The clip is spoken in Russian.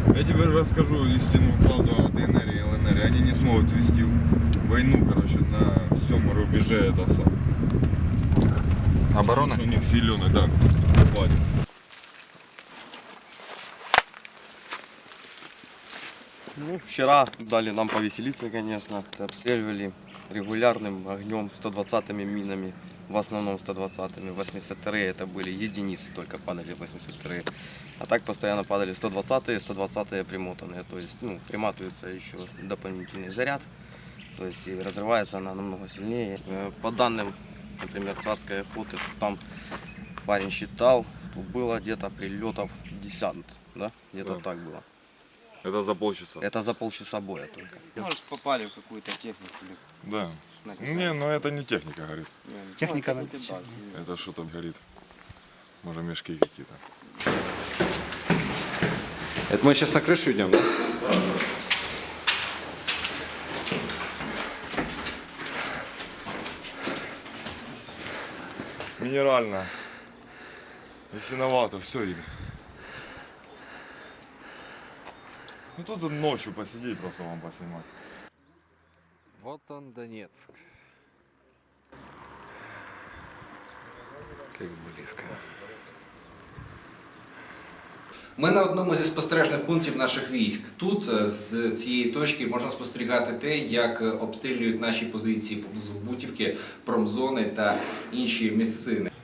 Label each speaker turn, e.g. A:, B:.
A: Я тебе расскажу истинную правду о ДНР и ЛНР. Они не смогут вести войну, короче, на всем рубеже это сам.
B: Оборона?
A: Потому что у них силеный, да, хватит.
C: Ну, вчера дали нам повеселиться, конечно. Обстреливали регулярным огнем 120-ми минами. В основном 120-ми. 82-е это были единицы, только падали 82-е. А так постоянно падали 120-е, 120-е примотанные. То есть, ну, приматывается еще дополнительный заряд. То есть и разрывается она намного сильнее. По данным, например, царской охоты, там парень считал, тут было где-то прилетов 50, да? Где-то
A: Да.
C: так было.
A: Это за полчаса.
C: Это за полчаса боя только.
D: Может, попали в какую-то технику. Или
A: Да.
D: снайпер.
A: Не, ну это не техника горит.
D: Техника
C: Ну,
D: на
C: это да.
A: Это что там горит? Может, мешки какие-то.
B: Это мы сейчас на крышу идем, да?
A: Минерально. Если новато, все видно. Ну тут ночью посидеть, просто вам поснимать.
B: Вот он, Донецк. Как близко. Ми на одному зі спостережних пунктів наших військ. Тут з цієї точки можна спостерігати те, як обстрілюють наші позиції поблизу Бутівки, промзони та інші місцини.